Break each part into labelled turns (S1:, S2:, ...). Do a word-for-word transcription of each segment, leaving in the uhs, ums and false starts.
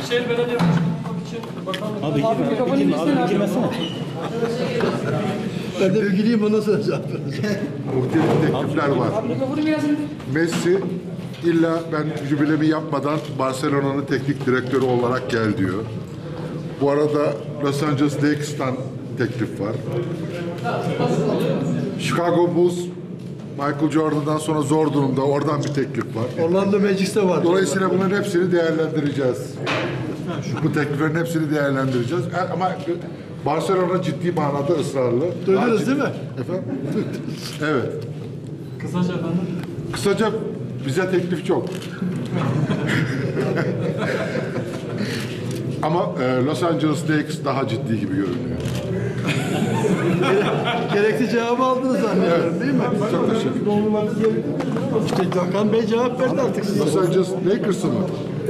S1: Büyükşehir Belediye Başkanı olmak için bakanlık...
S2: Abi girme, abi girme, abi girmesene.
S3: Ben de bilgiliyim, ondan sonra cevap vereceğim.
S4: Muhtelif teklifler var. Messi illa ben jübilemi yapmadan Barcelona'nın teknik direktörü olarak gel diyor. Bu arada Los Angeles Lakes'tan teklif var. Chicago Bulls Michael Jordan'dan sonra zor durumda. Oradan bir teklif var.
S3: Orlando Magic'te var.
S4: Dolayısıyla bunların hepsini değerlendireceğiz. Bu tekliflerin hepsini değerlendireceğiz. Ama Barcelona ciddi manada ısrarlı.
S3: Duydunuz değil mi?
S4: Efendim? Evet.
S1: Kısaca efendim.
S4: Kısaca bize teklif çok. Ama e, Los Angeles Lakers daha ciddi gibi görünüyor.
S3: Gerekli cevabı aldınız zannediyorum, değil mi?
S4: Çok teşekkür ederim.
S3: İşte Hakan Bey cevap verdi artık size.
S4: Los Angeles Lakers'ı mı?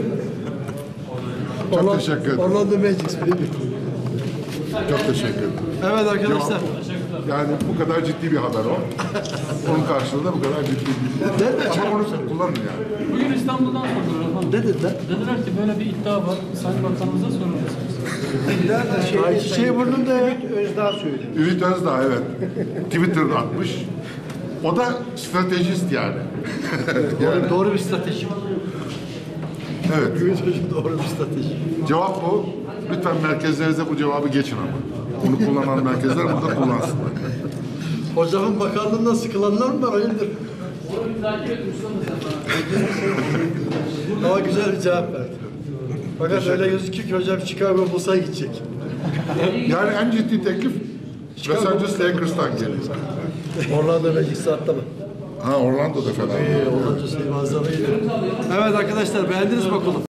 S4: Çok
S3: Orlando,
S4: teşekkür ederim.
S3: Orlando Magic değil mi?
S4: Çok teşekkür ederim.
S3: Evet arkadaşlar.
S4: Yani bu kadar ciddi bir haber o. Onun karşılığında bu kadar ciddi bir
S3: Nerede?
S4: Ama onu kullanın yani.
S1: Bugün İstanbul'dan sordular efendim.
S3: Ne dediler?
S1: Dediler ki böyle bir iddia var. Sayın Bakanımıza sorur musunuz?
S3: Ay çiçeği burnunda ya.
S4: Ümit Özdağ evet. Twitter'da atmış. O da stratejist yani.
S3: Doğru, doğru bir strateji.
S4: Evet.
S3: Ümit Hocam doğru bir strateji.
S4: Cevap bu. Lütfen merkezlerinize bu cevabı geçin ama. Bunu kullanan merkezler burada kullansınlar.
S3: Hocamın bakanlığından sıkılanlar mı var? Hayırdır? Ama güzel bir cevap verdi. Fakat öyle gözüküyor ki hocam Chicago Bulls'a gidecek.
S4: Yani en ciddi teklif Los Angeles Lakers'tan geliyor.
S3: Orlando Magic saatte mi?
S4: Ha Orlando'da fena.
S3: Orlando şey malzemeyi. Evet arkadaşlar beğendiniz mi okulu?